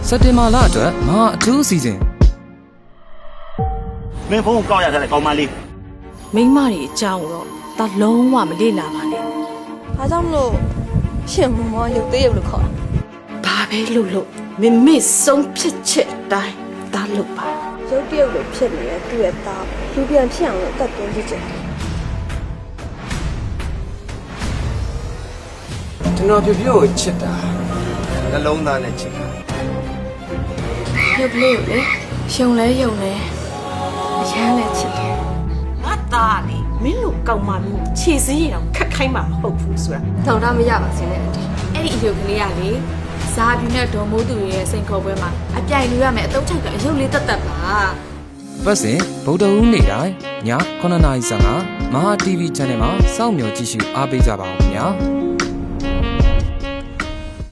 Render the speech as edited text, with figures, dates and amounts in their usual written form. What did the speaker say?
စက်တင်ဘာလအတွက်မဟာအထူးအစီအစဉ်မင်းဖုန်းကိုကောက်ရတယ်ကောင်းမလေးမိန်းမတွေအကြောင်းတော့ဒါလုံးဝမလေ့လာပါနဲ့ဘာကြောင့်မလို့ရှင်မမောရုပ်သေးရုပ်လို့ခေါ်ဘာပဲလို့မမေ့ဆုံးဖြစ်ချက်တိုင်းဒါလို့ပါရုပ်တရုပ်လိုဖြစ်နေတဲ့သူ့ရဲ့သားလူပြန်ဖြစ်အောင်လို့တတ်သွင်းကြည့်ချင်ကျွန်တော်ပြပြကိုချစ်တာနှလုံးသားနဲ့ချစ်တာရုပ်ကလေးကိုလေရှုံလဲယုံလဲအရန်လဲချစ်တယ်ငါသားလေမင်းတို့ကောက်မှမျိုးခြေစည်းရင်တော့ခက်ခိုင်းမှာမဟုတ်ဘူးဆိုတာထောင်ထားမရပါစေနဲ့အတီးအဲ့ဒီအယုတ်ကလေးကလေဇာပြူနဲ့ဒေါ်မိုးသူရဲ့စိန်ခေါ်ပွဲမှာအပြိုင်လူရမယ်အတုံးချောက်ကအယုတ်လေးတက်တက်ပါပတ်စဉ်ဗုဒ္ဓဟူးနေ့တိုင်းည9:55မဟာ TV Channel မှာစောင့်မျှော်ကြည့်ရှုအားပေးကြပါဦးခင်ဗျာ